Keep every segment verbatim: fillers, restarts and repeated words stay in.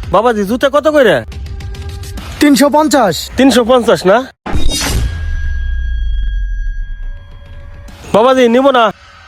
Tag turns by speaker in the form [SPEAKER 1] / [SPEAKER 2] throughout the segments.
[SPEAKER 1] বাবাজি জুতা কত করে?
[SPEAKER 2] তিনশো পঞ্চাশ।
[SPEAKER 1] তিনশো পঞ্চাশ না বাবাজি, নিব না।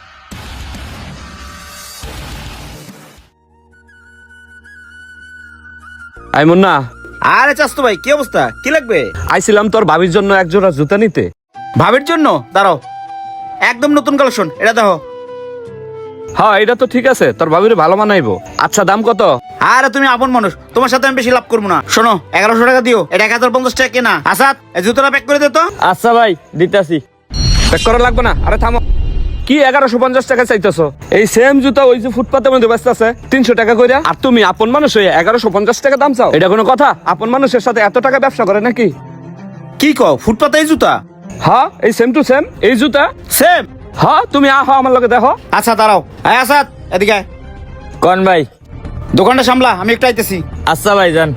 [SPEAKER 3] আই মুন্না,
[SPEAKER 4] আরে চাস্তু ভাই, কি অবস্থা? কি লাগবে?
[SPEAKER 3] আইছিলাম তোর ভাবির জন্য এক জোড়া জুতা নিতে।
[SPEAKER 4] ভাবির জন্য? দাঁড়াও, একদম নতুন কালেকশন, এটা দেখো।
[SPEAKER 3] হ্যাঁ, এটা তো ঠিক আছে, তোর ভাবির ভালো মানাইবো। আচ্ছা, দাম কত?
[SPEAKER 4] আরে তুমি আপন মানুষ, তোমার সাথে আমি বেশি লাভ করবো না। শোনো, এগারোশো টাকা দিও, এটা এক হাজার পঞ্চাশ টাকা কেনা। আসাদ, এই জুতোটা প্যাক করে দে তো।
[SPEAKER 3] আচ্ছা ভাই, দিতেছি। প্যাক করা লাগবে না। আরে থামো, কি এগারোশো পঞ্চাশ টাকা চাইতেছো? এই সেম জুতা ওই যে ফুটপাতের মধ্যে ব্যস্ত আছে তিনশো টাকা করে, আর তুমি আপন মানুষ হয়ে এগারোশো পঞ্চাশ টাকা দাম চাও? এটা কোনো কথা? আপন মানুষের সাথে এত টাকা ব্যবসা করে নাকি?
[SPEAKER 4] কি কও, ফুটপাতে এই জুতা?
[SPEAKER 3] হ্যাঁ, এই সেম টু সেম এই জুতা।
[SPEAKER 4] সেম?
[SPEAKER 3] হ্যাঁ, তুমি আহ আমার লগে দেখো।
[SPEAKER 4] আচ্ছা দাঁড়াও, এই আসাদ এদিকে আয়।
[SPEAKER 5] কোন ভাই?
[SPEAKER 4] দোকানটা সামলা, আমি একটু আইতেছি।
[SPEAKER 5] আচ্ছা ভাই, যান।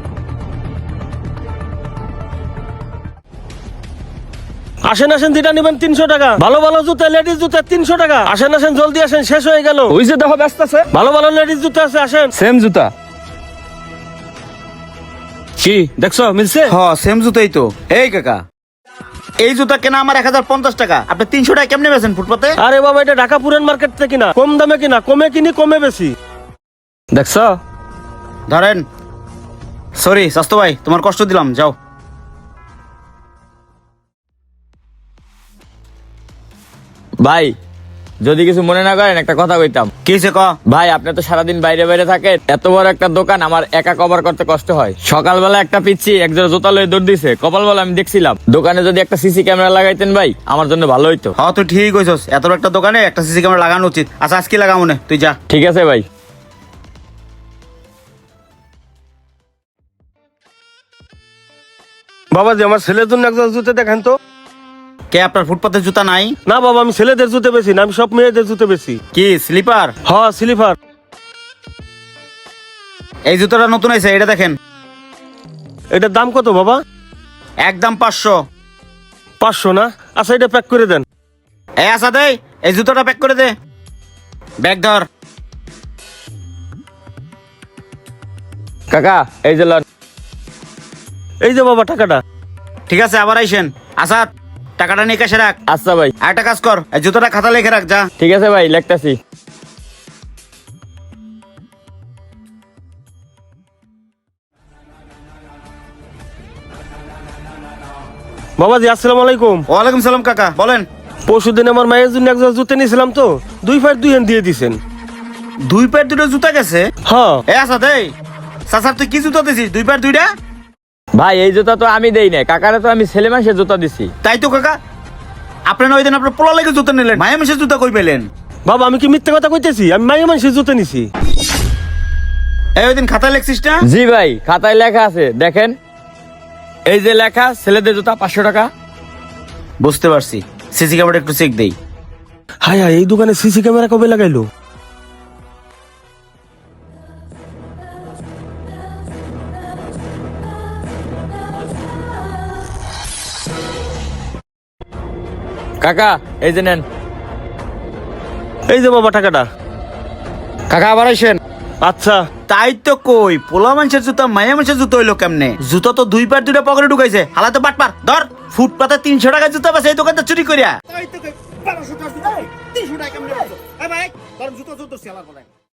[SPEAKER 1] আসেন আসেন, যেটা নিবেন তিনশো টাকা। ভালো ভালো জুতা, লেডিস জুতা তিনশো টাকা। আসেন আসেন, জলদি আসেন, শেষ হয়ে গেল।
[SPEAKER 3] ওই যে দেখো ব্যস্ত আছে।
[SPEAKER 1] ভালো ভালো লেডিস জুতা আছে, আসেন।
[SPEAKER 3] সেম জুতা।
[SPEAKER 1] কি দেখছো, মিলছে?
[SPEAKER 4] হ, সেম জুতাই তো। এই কাকা, এই জুতা কেনা আমার এক হাজার পঞ্চাশ টাকা, আপনি তিনশো টাকা কেমনে বেছেন ফুটপাতে?
[SPEAKER 1] আরে বাবা, এটা ঢাকা পুরান মার্কেট থেকে কিনা, কম দামে কিনা, কমে কিনি কমে বেশি।
[SPEAKER 3] দেখছো?
[SPEAKER 4] ধরেন। সরি স্বাস্থ্য ভাই, তোমার কষ্ট দিলাম, যাও।
[SPEAKER 5] ভাই, যদি কিছু মনে না করেন একটা কথা কইতাম।
[SPEAKER 4] কি হয়েছে ক?
[SPEAKER 5] ভাই, আপনি তো সারাদিন বাইরে বাইরে থাকেন, এত বড় একটা দোকান আমার একা কভার করতে কষ্ট হয়। সকালবেলা একটা পিচ্ছি একজোড়া জুতা লয়ে দৌড় দিছে, কপালবেলা আমি দেখছিলাম। দোকানে যদি একটা সিসি ক্যামেরা লাগাইতেন ভাই, আমার জন্য ভালো হইতো।
[SPEAKER 4] হ্যাঁ, তুই ঠিক কইছস, এত বড় একটা দোকানে একটা সিসি ক্যামেরা লাগানো উচিত। আচ্ছা, আজকে লাগাবো না, তুই যা।
[SPEAKER 5] ঠিক আছে ভাই।
[SPEAKER 1] বাবাজি, আমার ছেলের জন্য একজন জুতা দেখেন তো।
[SPEAKER 4] কে, আপনার ফুটপাতে জুতা নাই?
[SPEAKER 1] না বাবা, আমি ছেলেদের জুতে বেশি না, আমি সব মেয়েদের জুতে বেশি।
[SPEAKER 4] কি স্লিপার?
[SPEAKER 1] হ, স্লিপার।
[SPEAKER 4] এই জুতাটা নতুন আইছে, এটা দেখেন।
[SPEAKER 1] এটার দাম কত বাবা?
[SPEAKER 4] একদম পাঁচশো।
[SPEAKER 1] পাঁচশো না? আচ্ছা, এটা প্যাক করে দেন।
[SPEAKER 4] এই আসা দে, এই জুতোটা প্যাক করে দে। ব্যাগ ধর।
[SPEAKER 5] কাকা, এই যে লন।
[SPEAKER 1] এই যে বাবা টাকাটা।
[SPEAKER 4] ঠিক আছে, আবার আইসেন। আসাদ, টাকাটা নিয়ে কাছে রাখ।
[SPEAKER 5] আচ্ছা ভাই।
[SPEAKER 4] আর একটা কাজ কর, এই জুতোটা খাতা লিখে রাখ, যা।
[SPEAKER 5] ঠিক আছে ভাই, লিখতাছি।
[SPEAKER 1] বাবাজি, আসসালামু আলাইকুম।
[SPEAKER 4] ওয়ালাইকুম সালাম কাকা, বলেন।
[SPEAKER 1] পরশু দিন আমার মায়ের জন্য একজন জুতে নিয়েছিলাম তো, দুই ফাইট দুই হ্যান্ড দিয়ে দিছেন।
[SPEAKER 4] দুই প্যার দুটো জুতা গেছে?
[SPEAKER 1] হ্যাঁ।
[SPEAKER 4] এ আসাদ, এই চাচার তুই কি জুতা দিছিস? দুই প্যার দুইটা?
[SPEAKER 5] ভাই, এই জুতা তো আমি দেই না, কাকারে তো আমি ছেলে মাসে জুতা দিছি।
[SPEAKER 4] তাই তো কাকা, আপনার ওই দিন আপনার পোলা লেগে জুতা নিলেন, মায়া মিশে জুতা কই পেলেন?
[SPEAKER 1] বাবা, আমি কি মিথ্যে কথা কইতেছি? আমি মায়ের মানুষের জুতে নিছি।
[SPEAKER 4] এই ওই দিন খাতায় লেখছিস না?
[SPEAKER 5] জি ভাই, খাতায় লেখা আছে, দেখেন। এই যে লেখা, ছেলেদের জুতা পাঁচশো টাকা।
[SPEAKER 4] বুঝতে পারছি, সিসি ক্যামেরা একটু চেক দেই।
[SPEAKER 1] হায় হায়, এই দোকানে সিসি ক্যামেরা কবে লাগাইলো?
[SPEAKER 5] কাকা, এই যে নেন।
[SPEAKER 1] এই যে বাবা টাকাটা।
[SPEAKER 4] কাকা, আবার আইসেন।
[SPEAKER 1] আচ্ছা।
[SPEAKER 4] তাই তো কই, পোলা মানুষের জুতা মায়া মানুষের জুতো হইলো কেমনে? জুতো তো দুই পার দুইটা পকেটে ঢুকাইছে, হালাতে বাট পার। ধর, ফুটপাতে তিনশো টাকা জুতা পাচ্ছে, এই দোকানটা চুরি করিয়া।